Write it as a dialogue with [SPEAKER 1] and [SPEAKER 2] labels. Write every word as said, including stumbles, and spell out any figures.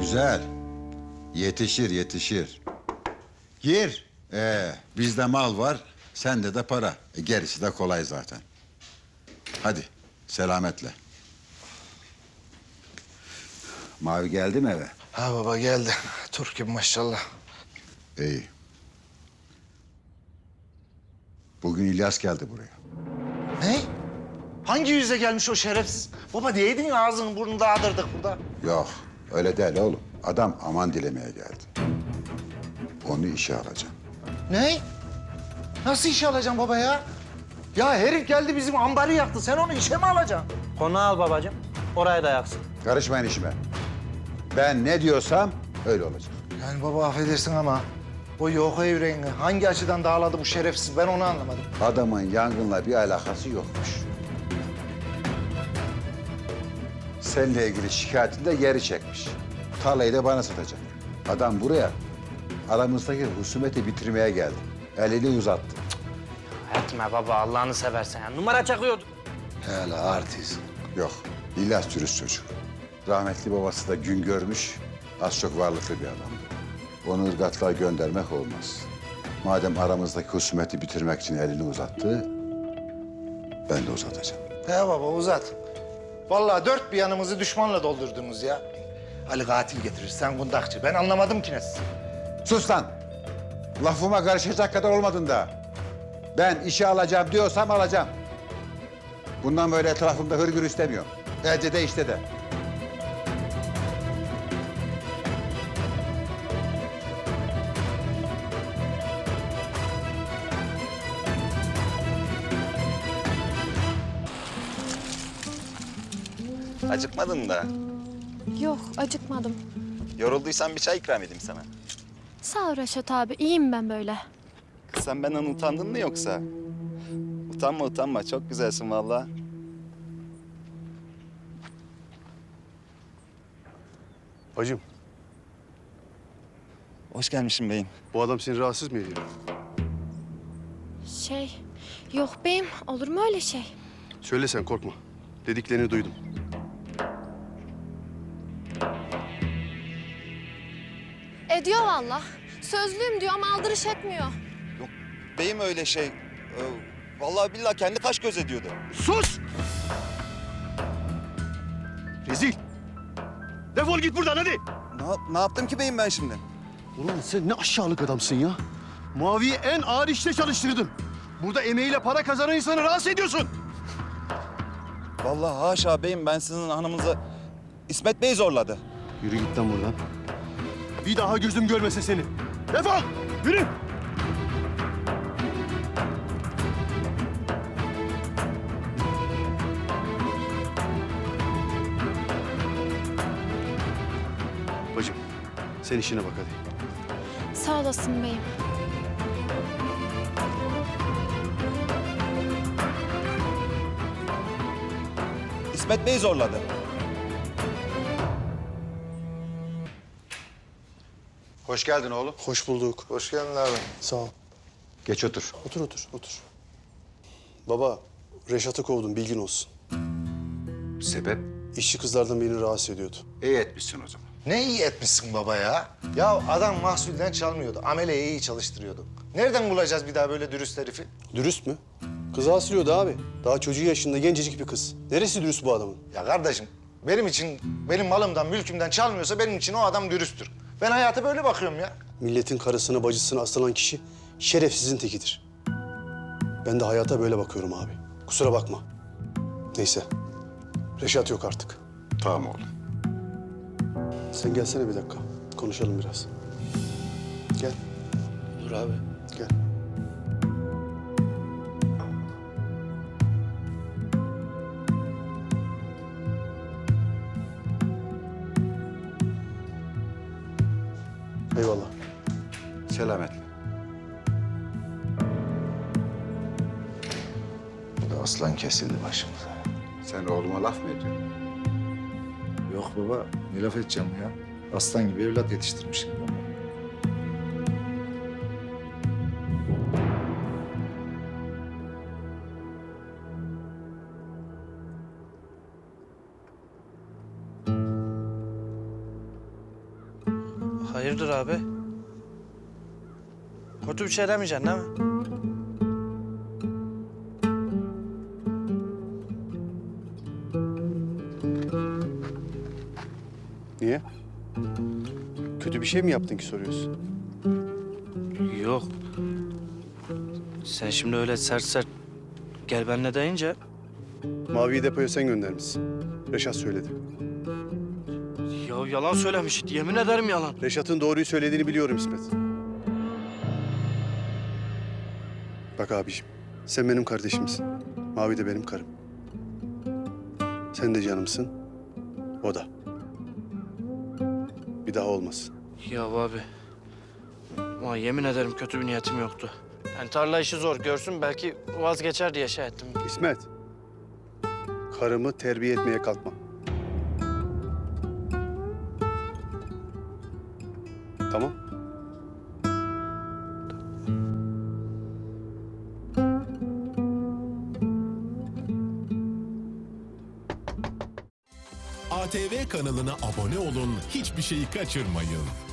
[SPEAKER 1] Güzel. Yetişir, yetişir. Gir. Ee, bizde mal var, sende de para. E, gerisi de kolay zaten. Hadi, selametle. Mavi geldi mi eve?
[SPEAKER 2] Ha baba geldi. Türk gibi maşallah.
[SPEAKER 1] İyi. Bugün İlyas geldi buraya.
[SPEAKER 2] Ne? Hangi yüze gelmiş o şerefsiz? Baba diyeydin ağzını burnunu dağıtırdık burada.
[SPEAKER 1] Yok, öyle değil oğlum. Adam aman dilemeye geldi. Onu işe alacağım.
[SPEAKER 2] Ne? Nasıl işe alacaksın baba ya? Ya herif geldi bizim ambarı yaktı. Sen onu işe mi alacaksın?
[SPEAKER 3] Konağı al babacığım. Oraya da yaksın.
[SPEAKER 1] Karışmayın işime. Ben ne diyorsam öyle olacak.
[SPEAKER 2] Yani baba affedersin ama o yoka yüreğini hangi açıdan dağladı bu şerefsiz ben onu anlamadım.
[SPEAKER 1] Adamın yangınla bir alakası yokmuş. Seninle ilgili şikayetini de geri çekmiş. Tarlayı da bana satacak. Adam buraya aramızdaki husumeti bitirmeye geldi. Elini uzattı.
[SPEAKER 3] Etme baba Allah'ını seversen ya. Numara çakıyordu.
[SPEAKER 2] Hele artist.
[SPEAKER 1] Yok, İlyas dürüst çocuk. Rahmetli babası da gün görmüş, az çok varlıklı bir adamdı. Onu ırgatlığa göndermek olmaz. Madem aramızdaki husumeti bitirmek için elini uzattı, ben de uzatacağım.
[SPEAKER 2] He baba uzat. Vallahi dört bir yanımızı düşmanla doldurdunuz ya. Ali katil getirir, sen kundakçı. Ben anlamadım ki ne siz.
[SPEAKER 1] Sus lan! Lafıma karışacak kadar olmadın da. Ben işe alacağım diyorsam alacağım. Bundan böyle etrafımda hırgür istemiyorum. Elde de işte de.
[SPEAKER 4] Acıkmadın da.
[SPEAKER 5] Yok, acıkmadım.
[SPEAKER 4] Yorulduysan bir çay ikram edeyim sana.
[SPEAKER 5] Sağ ol Reşat abi, iyiyim ben böyle.
[SPEAKER 4] Kız sen benden utandın mı yoksa? Utanma utanma, çok güzelsin vallahi.
[SPEAKER 6] Bacım,
[SPEAKER 4] Hoş gelmişsin beyim.
[SPEAKER 6] bu adam seni rahatsız mı ediyor?
[SPEAKER 5] Şey, yok beyim, olur mu öyle şey?
[SPEAKER 6] Söyle sen, korkma. Dediklerini duydum.
[SPEAKER 5] Ediyor vallahi. Sözlüyüm diyor ama aldırış etmiyor.
[SPEAKER 4] Yok beyim öyle şey. Ee, vallahi billahi kendi kaş göz ediyordu.
[SPEAKER 6] Sus! Rezil! Defol git buradan hadi!
[SPEAKER 4] Ne, ne yaptım ki beyim ben şimdi?
[SPEAKER 6] Ulan sen ne aşağılık adamsın ya. Mavi'yi en ağır işte çalıştırdın. Burada emeğiyle para kazanan insanı rahatsız ediyorsun.
[SPEAKER 4] Vallahi haşa beyim, ben sizin hanımınızı İsmet Bey zorladı.
[SPEAKER 6] Yürü git lan buradan. Bir daha gözüm görmese seni. Defol! Yürü! Bacım, sen işine bak hadi.
[SPEAKER 5] Sağ olasın beyim.
[SPEAKER 4] İsmet Bey zorladı.
[SPEAKER 1] Hoş geldin oğlum.
[SPEAKER 6] Hoş bulduk.
[SPEAKER 2] Hoş geldin abi.
[SPEAKER 6] Sağ ol.
[SPEAKER 1] Geç otur.
[SPEAKER 6] Otur, otur, otur. Baba, Reşat'ı kovdum, bilgin olsun.
[SPEAKER 1] Sebep?
[SPEAKER 6] İşçi kızlardan birini rahatsız ediyordu.
[SPEAKER 1] İyi etmişsin o zaman.
[SPEAKER 2] Ne iyi etmişsin baba ya. Ya adam mahsulden çalmıyordu. Ameleyi iyi çalıştırıyordu. Nereden bulacağız bir daha böyle dürüst herifi?
[SPEAKER 6] Dürüst mü? Kızı asılıyordu abi. Daha çocuğu yaşında gencecik bir kız. Neresi dürüst bu adamın?
[SPEAKER 2] Ya kardeşim benim için, benim malımdan, mülkümden çalmıyorsa benim için o adam dürüsttür. Ben hayata böyle bakıyorum ya.
[SPEAKER 6] Milletin karısını, bacısını asılan kişi şerefsizin tekidir. Ben de hayata böyle bakıyorum abi. Kusura bakma. Neyse. Reşat yok artık.
[SPEAKER 1] Tamam oğlum.
[SPEAKER 6] Sen gelsene bir dakika. Konuşalım biraz. Gel.
[SPEAKER 3] Dur abi.
[SPEAKER 6] Gel. Eyvallah.
[SPEAKER 1] Selametle.
[SPEAKER 2] Bu da aslan kesildi başımıza.
[SPEAKER 1] Sen oğluma laf mı ediyorsun?
[SPEAKER 2] Yok baba, ne laf edeceğim ya? Aslan gibi evlat yetiştirmişim ben.
[SPEAKER 3] Hayırdır abi? Kötü bir şey demeyeceksin değil mi?
[SPEAKER 6] Niye? Kötü bir şey mi yaptın ki soruyorsun?
[SPEAKER 3] Yok. Sen şimdi öyle sert sert gel benimle deyince...
[SPEAKER 6] Mavi'yi depoya sen göndermişsin. Reşat söyledi.
[SPEAKER 3] Ya yalan söylemiş. Yemin ederim yalan.
[SPEAKER 6] Reşat'ın doğruyu söylediğini biliyorum İsmet. Bak abiciğim, sen benim kardeşimsin. Mavi de benim karım. Sen de canımsın, o da. Bir daha olmasın.
[SPEAKER 3] Ya abi. Ama yemin ederim kötü bir niyetim yoktu. Yani tarla işi zor görsün belki vazgeçer diye şey ettim.
[SPEAKER 6] İsmet, karımı terbiye etmeye kalkma. Tamam.
[SPEAKER 7] A T V kanalına abone olun, hiçbir şeyi kaçırmayın.